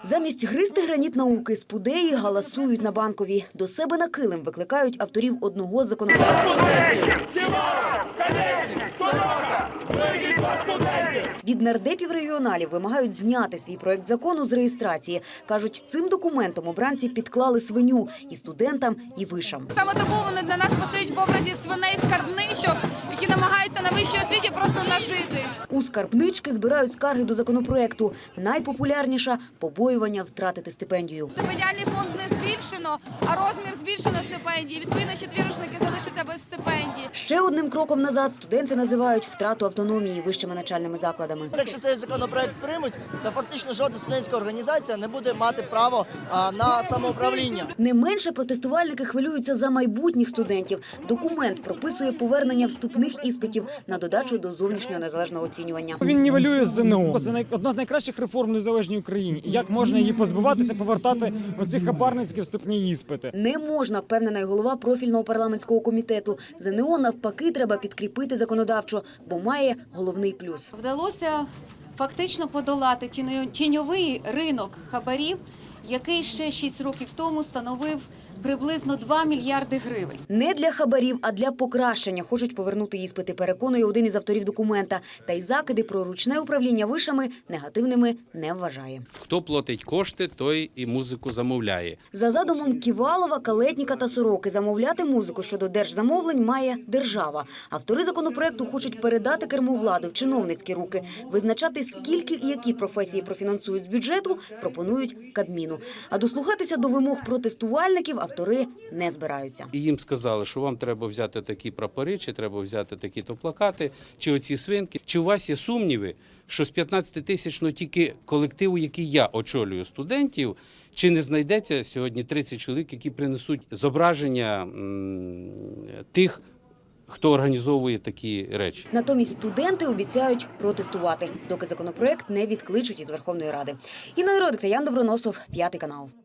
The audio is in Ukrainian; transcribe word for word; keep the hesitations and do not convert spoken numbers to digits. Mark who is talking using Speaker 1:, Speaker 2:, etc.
Speaker 1: Замість гризти граніт науки спудеї галасують на Банковій. До себе на килим викликають авторів одного з законопроєктів. Від нардепів-регіоналів вимагають зняти свій проект закону з реєстрації. Кажуть, цим документом обранці підклали свиню і студентам, і вишам.
Speaker 2: Саме тому вони для нас постають в образі свиней-скарбничок, які намагаються на вищій освіті просто нажитись.
Speaker 1: У скарбнички збирають скарги до законопроекту. Найпопулярніша – побоювання втратити стипендію.
Speaker 2: Стипендіальний фонд не збільшено, а розмір збільшено стипендії. Відповідно, четвірочники залишаться без стипендії.
Speaker 1: Ще одним кроком назад студенти називають втрату автономії вищими навчальними закладами.
Speaker 3: Якщо цей законопроект приймуть, то фактично жодна студентська організація не буде мати право а, на самоуправління.
Speaker 1: Не менше протестувальники хвилюються за майбутніх студентів. Документ прописує повернення вступних іспитів на додачу до зовнішнього незалежного оцінювання.
Speaker 4: Він нівелює ЗНО. Це одна з найкращих реформ в незалежній Україні. Як можна її позбуватися, повертати оці хабарницькі вступні іспити?
Speaker 1: Не можна, впевнена й голова профільного парламентського комітету. ЗНО навпаки треба підкріпити законодавчо, бо має головний плюс.
Speaker 5: Вдалося фактично подолати тіньовий ринок хабарів, який ще шість років тому становив приблизно два мільярди гривень.
Speaker 1: Не для хабарів, а для покращення хочуть повернути іспити, переконує один із авторів документа. Та й закиди про ручне управління вишами негативними не вважає.
Speaker 6: Хто платить кошти, той і музику замовляє.
Speaker 1: За задумом Ківалова, Калетніка та Сороки, замовляти музику щодо держзамовлень має держава. Автори законопроекту хочуть передати керму влади в чиновницькі руки. Визначати, скільки і які професії профінансують з бюджету, пропонують Кабміну. А дослухатися до вимог протестувальників автори не збираються.
Speaker 6: І їм сказали, що вам треба взяти такі прапори, чи треба взяти такі-то плакати, чи оці свинки. Чи у вас є сумніви, що з п'ятнадцятитисячного тільки колективу, який я очолюю, студентів, чи не знайдеться сьогодні тридцять чоловік, які принесуть зображення м, тих, хто організовує такі речі?
Speaker 1: Натомість студенти обіцяють протестувати, доки законопроект не відкличуть із Верховної Ради. Інна Іродик та Ян Доброносов, П'ятий канал.